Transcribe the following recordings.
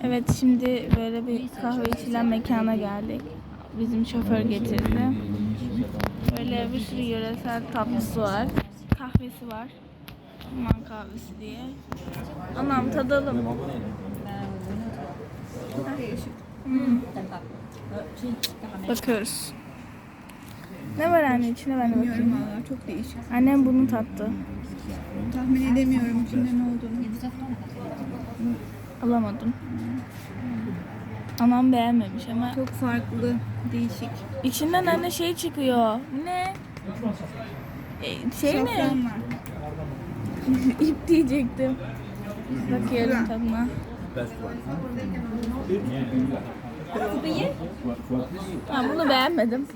Evet, şimdi böyle bir kahve içilen mekana geldik. Bizim şoför getirdi. Böyle bir sürü yöresel tatlısı var. Kahvesi var. Man kahvesi diye. Anam tadalım. Bakıyoruz. Ne var anne içine, ben de bakayım. Bilmiyorum valla, çok değişik. Annem bunu tattı. Tahmin edemiyorum içinde ne olduğunu. Alamadım. Anam beğenmemiş ama. Çok farklı, değişik. İçinden anne şey çıkıyor. Ne? Şey mi? Safran var. İp diyecektim. Bakıyorum tadına. Ha, bunu beğenmedim.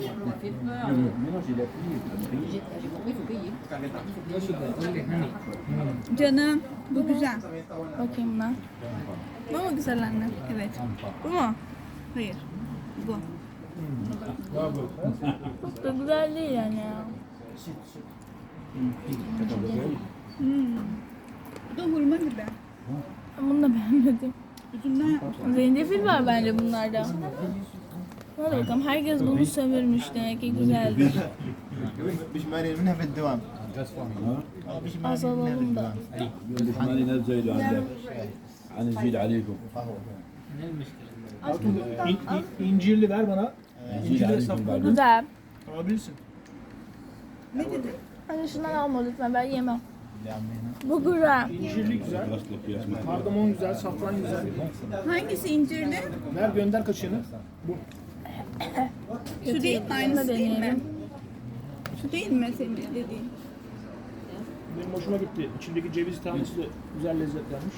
Canım, bu güzel. Bakayım buna. Bu mu güzel anne? Evet. Bu mu? Hayır. Bu. Çok da güzel değil yani ya. Bu da hurma gibi. Ben bunu da beğenmedim. Üzümden yapmışlar. Zencefil var bence bunlarda. Hadi bakalım, herkes bunu sömürmüş, demek ki güzeldir. بشمالي منها في الدوام Azalalım da. بشمالي نزلوا عندك هنزيد عليكم İncirli ver bana. هنزيد İncirli عليكم safran بعدين Güzel. alabilirsin. Hani şundan alma lütfen, ben yemem. Bu güzel. İncirli güzel. خلصت لك يا اسمع Kardamom güzel, safran güzel. Hangisi incirli? Ver gönder kaşığını. Bu. Şu değil mi? Aynısı değil mi? deneyelim. Şu değil mi senin dediğin? Benim hoşuma gitti. İçindeki ceviz tanesi de güzel lezzetlenmiş.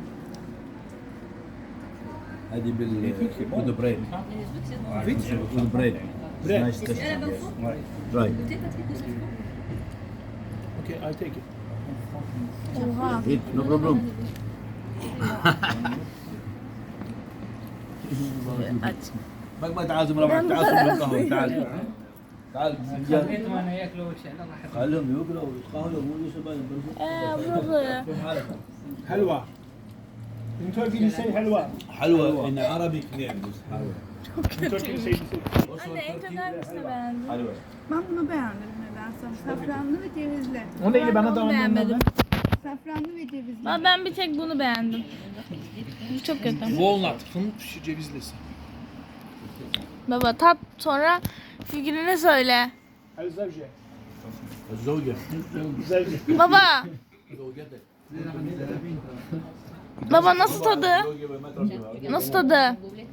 هذه with bread with bread Bread. nice taste right Okay, I'll take it. Oha. eat no problem Aç. ما تعال زملاء تعال صب القهوه تعال تعال وانا ياكلوا ان شاء الله راح خليهم ياكلوا ويتقهووا ويقولوا شباب Burası. Helva. In Turkey you say helva. حلوه ان عربي كثير بس حلوه In Turkey you say Anne en çok hangisini beğendin? حلوه Ben bunu beğendim nedense. Safranlı ve cevizli. O neydi bana da onu ondan beğenmedim. ver. Safranlı ve cevizli. Ama ben bir tek bunu beğendim. Bu çok kötü. Walnut, fındık cevizlisi. Baba tat, sonra fikrini söyle. El zevce. الزوجه Zevce. Baba. زوجتك Baba nasıl tadı? زوجة ما ترجمها Nasıl tadı?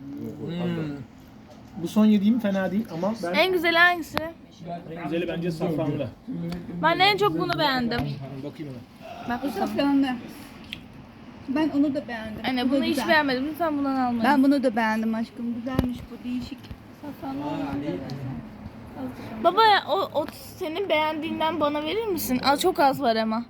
Bu son yediğim fena değil ama ben En güzeli hangisi? en güzeli bence safranlı. Ben en çok bunu beğendim. Bakayım ona. Bak Bu bakalım. safranlı. Ben onu da beğendim. Anne Bu da bunu hiç güzel. beğenmedim. Lütfen bundan almayın. Ben bunu da beğendim aşkım. Güzelmiş bu, değişik. Baba ya, o senin beğendiğinden bana verir misin? Az, çok az var ama.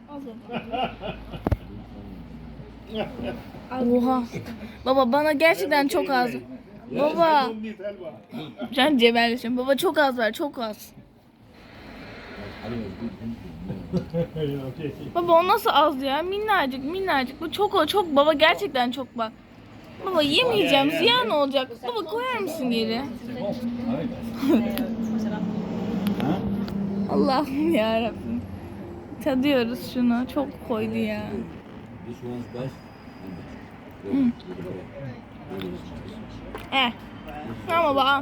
Oha. Baba bana gerçekten çok az. Baba. Can cebelleşim. Baba çok az var, çok az. Baba o nasıl az ya? Minnacık minnacık. Bu çok baba, gerçekten çok bak. Baba yemeyeceğim, ziyan olacak. Baba koyar mısın geri? Allah'ım yarabbim. Tadıyoruz şunu. Çok koydu ya. This one's best. Ama baba.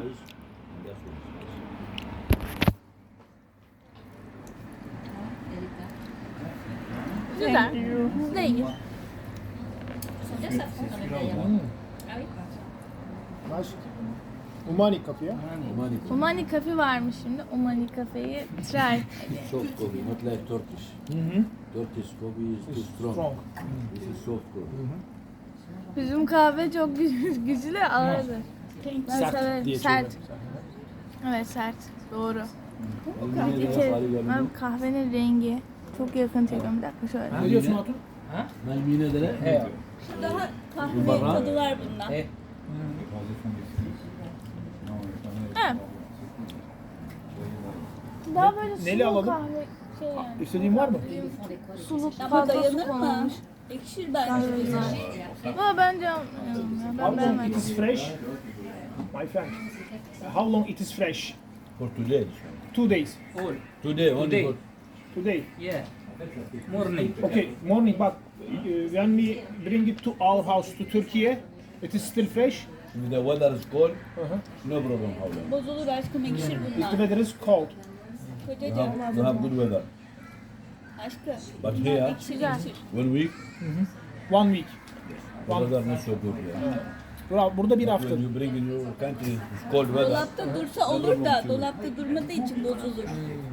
Güzel. Değil. Nice. Umani kapıya. Omani kafe varmış şimdi. Omani kafeyi try. Soft coffee, not like Turkish. Turkish coffee is too strong. Strong. This is soft coffee. Bizim kahve çok güçlü, ağırdır. Ben Sert severim. diye Sert. söylüyorum. Evet sert. Doğru. المانيا Bir اللي kere قالوا لي ben kahvenin rengi çok yakın çekiyorum. Bir dakika şöyle. Ne diyorsun Hatun? ما المينا ده لا Daha kahve tadı var bundan. Evet. Daha böyle Neli sulu alalım? kahve şey yani. İstediğin var mı? Suluk Ama fazla dayanır su mı? konulmuş. Ekşir bence Kahve güzel. Ama bence How ben long it beğenmedim. is fresh? My friend. How long it is fresh? For today. 2 days. All. Today only Today. for Today. Yeah. Morning. Okay, morning, but when we bring it to our house to Turkey, it is still fresh. if the weather is cold, Uh-huh. no problem how long. Bozulur aşkım ekşir If the bunlar. weather is cold. You Kocacığım have good weather. aşkım. But here, Ekşir ekşir. 1 week, 1 week. the weather not so good here. Burada bir hafta. When you bring in your country, it's cold weather. Dolapta dursa olur da dolapta durmadığı için bozulur.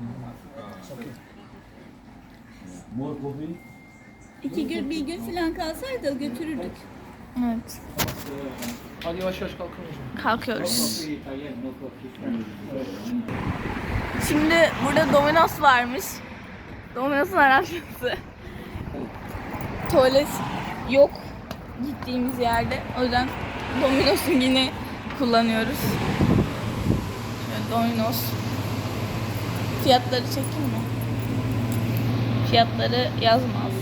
More coffee? 2 gün bir gün falan kalsaydı götürürdük. Evet. Hadi yavaş yavaş kalkın hocam. Kalkıyoruz. Şimdi burada Domino's varmış. Domino's'un Arapçası. Tuvalet yok gittiğimiz yerde. O yüzden Domino's'un yine kullanıyoruz. Şöyle Domino's. Fiyatları çekeyim mi? Fiyatları yazmaz.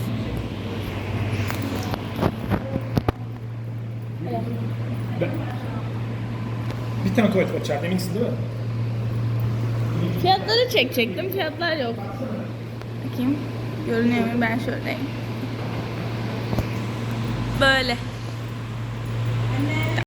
Bir tane tuvalet var içeride, eminsin değil mi? Fiyatları çekecektim. Fiyatlar yok. Bakayım. Görünüyor mu? Ben şöyleyim. Böyle.